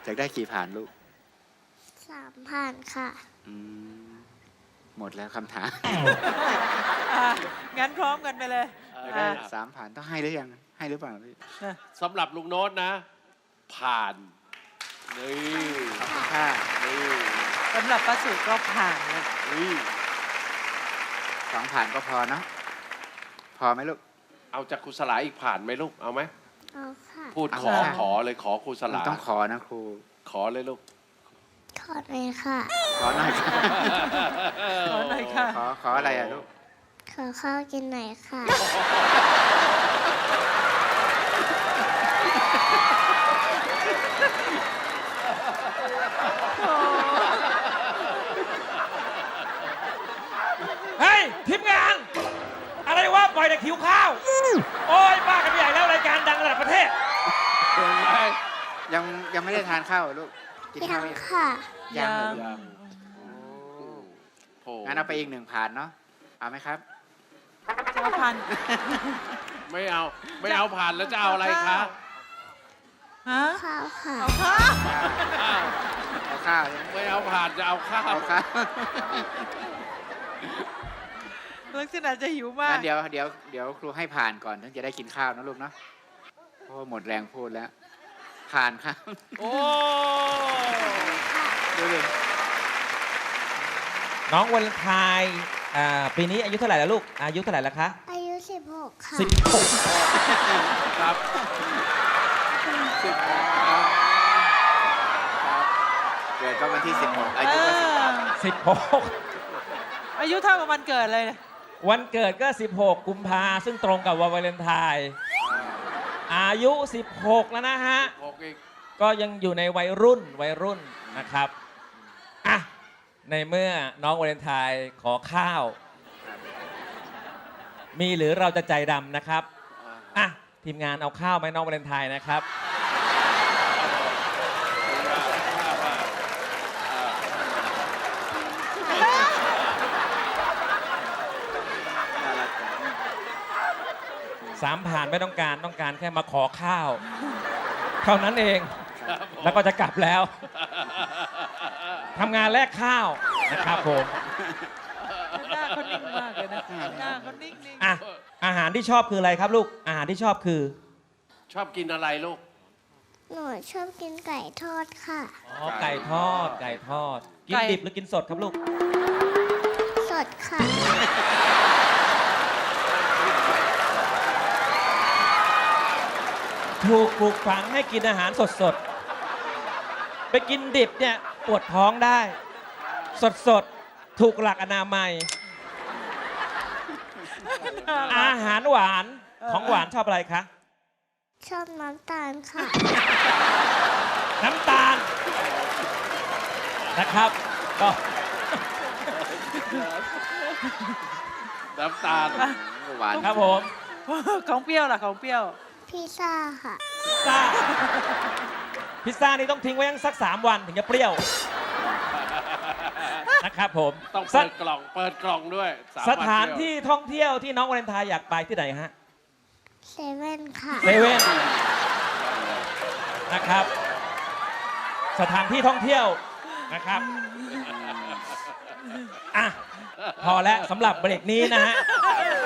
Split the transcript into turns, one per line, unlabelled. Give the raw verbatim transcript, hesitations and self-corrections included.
อยากได้กี่ผ่านลูก
สามผ่านค่ะ
อืมหมดแล้วคำถาม
อ่ะงั้นพร้อมกันไปเลย
อยากได้
อ่ะ
สามผ่านต้องให้หรือยังให้หรือเปล่าพี่
สำหรับลุงโน้ตนะ ผ่านนี่
ขอบคุณค่ะ
นี่
สำหรับป้าสุก็ผ่านเลย
นี่
สองผ่านก็พอเนาะพอไหมลูก
เอาจากครูสลาอีกผ่านไหมลูกเอาไหม
เอาค่ะ
พูด
เอา
ขอ
ค่ะ
ขอเลยขอครูส
มัน
ลา
ต้องขอนะครู
ขอเลยลูก
ขอหน่อยค่ะ
ขอหน่อยค่ะ
ขอหน่อยค่ะ
ขอขออะไรอะลูก
ขอข้าวกินหน่อยค่ะ
เฮ้ยทีมงาน อะไรวะปล่อยแต่คิวข้าว โอ้ยบ้ากันใหญ่แล้วรายการดังระดับประเทศ
ยังยังไม่ได้ทานข้าวเหรอลูกกิน
ยั
ข้าว
ง
ยัง
ค่ะ
ยังเหรอ
ยั
ลู
ง
ก
โอ้
งั้นเอาไปอีกหนึ่งผ่านเนาะเอาไหมครับ
จะเอาพัน
ไม่เอาไม่เอาผ่านแล้วจะเอาอะไรคะ
ฮะ
ข้าวค่ะ
เอาข้าว
อ้าว
เอาข้าวใช่ไหม
ไม่เอาผ่านจะเอาข้าว
เอาข้าว
ลักษณะจะหิวมาก
งั้นเดี๋ยวเดี๋ยวเดี๋ยวครูให้ผ่านก่อนถึงจะได้กินข้าวนะลูกเนาะเพราะว่าหมดแรงพูดแล้ว ผ่านครับ
โอ้
ดูดิ
น้องวันไทายอ่าปีนี้อายุเท่าไหร่แล้วลูก อายุเท่าไหร่แล้วคะ
อายุสิบหกค่ะ
สิบหก
ครับ
สิบหกครับครับเกิดก็วันที่สิบหกอายุก็สิบหก
สิบหก
อายุเท่ากับวันเกิดเลย
วันเกิดก็ สิบหก กุมภาซึ่งตรงกับวันวาเลนไทน์อายุ สิบหก แล้วนะฮะ
หกอีก
ก็ยังอยู่ในวัยรุ่นวัยรุ่นนะครับอ่ะในเมื่อน้องวาเลนไทน์ขอข้าว มีหรือเราจะใจดำนะครับอ่ะทีมงานเอาข้าวไหมน้องวาเลนไทน์นะครับ
น่ารักจัง
สามผ่านไม่ต้องการต้องการแค่มาขอข้าว เท่านั้นเองแล้วก็จะกลับแล้วทำงานแลกข้าวนะครับผม
หน้าเขานิ่งมากเลยนะ หน้าเขานิ่งๆ
อ่ะอาหารที่ชอบคืออะไรครับลูกอาหารที่ชอบคือ
ชอบกินอะไรลูก
หนูชอบกินไก่ทอดค่ะ
อ๋อไก่ทอดไก่ทอด กิน
ไก่
ดิบหรือกินสดครับลูก
สดค่ะ
ถูกปลูกฝังให้กินอาหารสดๆ ไปกินดิบเนี่ยปวดท้องได้ สดๆ ถูกหลักอนามัย อาหารหวานของหวานชอบอะไรคะ
ชอบน้ำตาลค่ะ
น้ำตาลนะครับก็
น้ำตาล
หวาน
ครับผม
ของเปรี้ยวล่ะของเปรี้ยว
พิซซ่าค่ะ
พิซซ่าพิซซ่านี่ต้องทิ้งไว้ยังสักสามวันถึงจะเปรี้ยวนะครับผม
ต้อง
ส
เปิดกล่องเปิดกล่องด้วยม
ส
วัน
ถาน
เยว
ที่ท่องเที่ยวที่น้องวาเลนไทน์อยากไปที่ไหนฮะ
เซเว่นค่ะ
เซเว่นนะครับ สถานที่ท่องเที่ยวนะครับอ่ะพอแล้วสำหรับเบรกนี้นะฮะ